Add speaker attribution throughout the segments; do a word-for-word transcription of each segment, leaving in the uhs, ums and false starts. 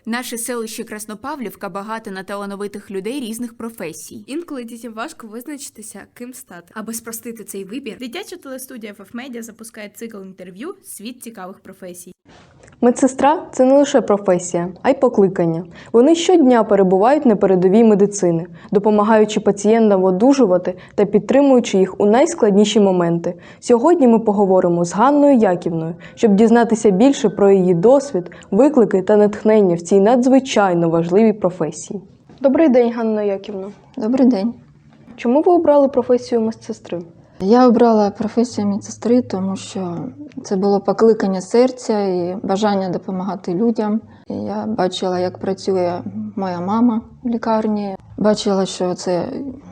Speaker 1: Наше селище Краснопавлівка багато на талановитих людей різних професій.
Speaker 2: Інколи дітям важко визначитися, ким стати. Аби спростити цей вибір, дитяча телестудія еф еф Media запускає цикл інтерв'ю «Світ цікавих професій».
Speaker 3: Медсестра – це не лише професія, а й покликання. Вони щодня перебувають на передовій медицини, допомагаючи пацієнтам одужувати та підтримуючи їх у найскладніші моменти. Сьогодні ми поговоримо з Ганною Яківною, щоб дізнатися більше про її досвід, виклики та натхнення в цій надзвичайно важливій професії. Добрий день, Ганна Яківна.
Speaker 4: Добрий день.
Speaker 3: Чому ви обрали професію медсестри?
Speaker 4: Я обрала професію медсестри, тому що це було покликання серця і бажання допомагати людям. І я бачила, як працює моя мама в лікарні. Бачила, що це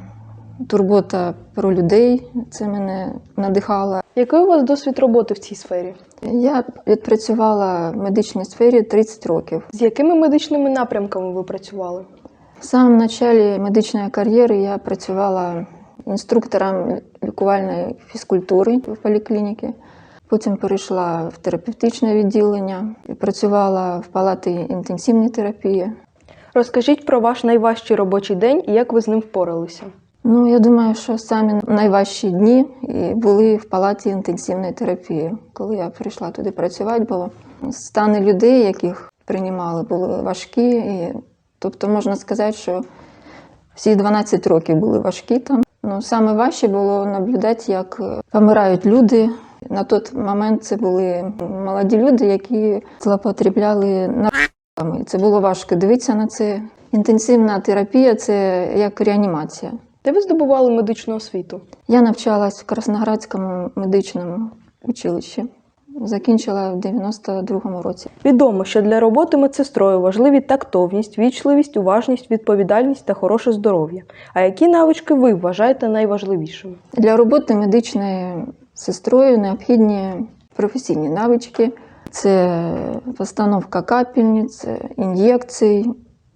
Speaker 4: турбота про людей. Це мене надихало.
Speaker 3: Який у вас досвід роботи в цій сфері?
Speaker 4: Я відпрацювала в медичній сфері тридцять років.
Speaker 3: З якими медичними напрямками ви працювали?
Speaker 4: В самому початку медичної кар'єри я працювала інструктором лікувальної фізкультури в поліклініці. Потім перейшла в терапевтичне відділення, працювала в палаті інтенсивної терапії.
Speaker 3: Розкажіть про ваш найважчий робочий день і як ви з ним впоралися.
Speaker 4: Ну, я думаю, що самі найважчі дні були в палаті інтенсивної терапії. Коли я прийшла туди працювати, бо стани людей, яких приймали, були важкі. І, тобто можна сказати, що всі дванадцять років були важкі там. Ну, саме важче було наблюдати, як помирають люди. На той момент це були молоді люди, які злоупотребляли наркотиками. Це було важко дивитися на це. Інтенсивна терапія – це як реанімація.
Speaker 3: Де ви здобували медичну освіту?
Speaker 4: Я навчалась в Красноградському медичному училищі. Закінчила в дев'яносто другому році.
Speaker 3: Відомо, що для роботи медсестрою важливі тактовність, вічливість, уважність, відповідальність та хороше здоров'я. А які навички ви вважаєте найважливішими?
Speaker 4: Для роботи медичною сестрою необхідні професійні навички. Це постановка капельниць, ін'єкцій,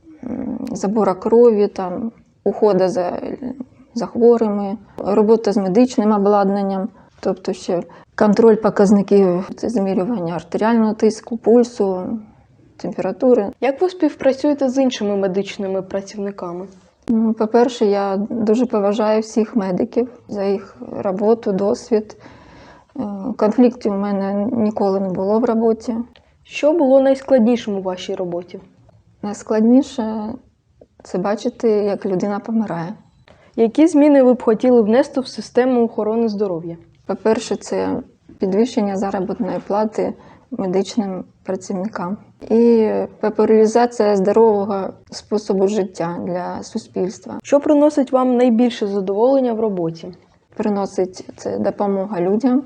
Speaker 4: забора крові, там, уходу за, за хворими, робота з медичним обладнанням, тобто ще контроль показників, це змірювання артеріального тиску, пульсу, температури.
Speaker 3: Як ви співпрацюєте з іншими медичними працівниками?
Speaker 4: Ну, по-перше, я дуже поважаю всіх медиків за їх роботу, досвід. Конфліктів у мене ніколи не було в роботі.
Speaker 3: Що було найскладнішим у вашій роботі?
Speaker 4: Найскладніше – це бачити, як людина помирає.
Speaker 3: Які зміни ви б хотіли внести в систему охорони здоров'я?
Speaker 4: По-перше, це підвищення заробітної плати медичним працівникам. І популяризація здорового способу життя для суспільства.
Speaker 3: Що приносить вам найбільше задоволення в роботі?
Speaker 4: Приносить це допомога людям,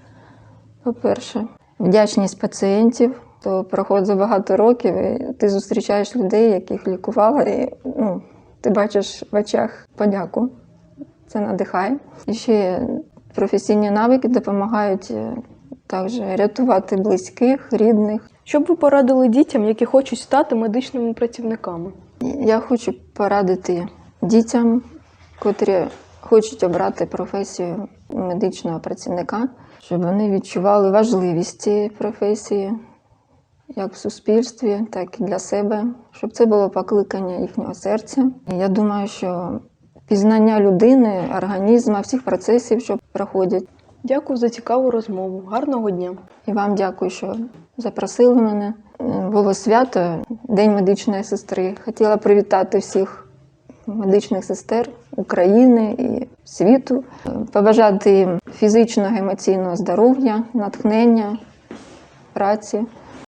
Speaker 4: по-перше. Вдячність пацієнтів. То проходить багато років, і ти зустрічаєш людей, яких лікувала, і ну, ти бачиш в очах подяку. Це надихає. І ще професійні навики допомагають також рятувати близьких, рідних.
Speaker 3: Що б ви порадили дітям, які хочуть стати медичними працівниками?
Speaker 4: Я хочу порадити дітям, котрі хочуть обрати професію медичного працівника, щоб вони відчували важливість цієї професії, як в суспільстві, так і для себе, щоб це було покликання їхнього серця. Я думаю, що пізнання людини, організму, всіх процесів, що проходять.
Speaker 3: Дякую за цікаву розмову. Гарного дня.
Speaker 4: І вам дякую, що запросили мене. Було свято, День медичної сестри. Хотіла привітати всіх медичних сестер України і світу, побажати їм фізичного, емоційного здоров'я, натхнення, праці.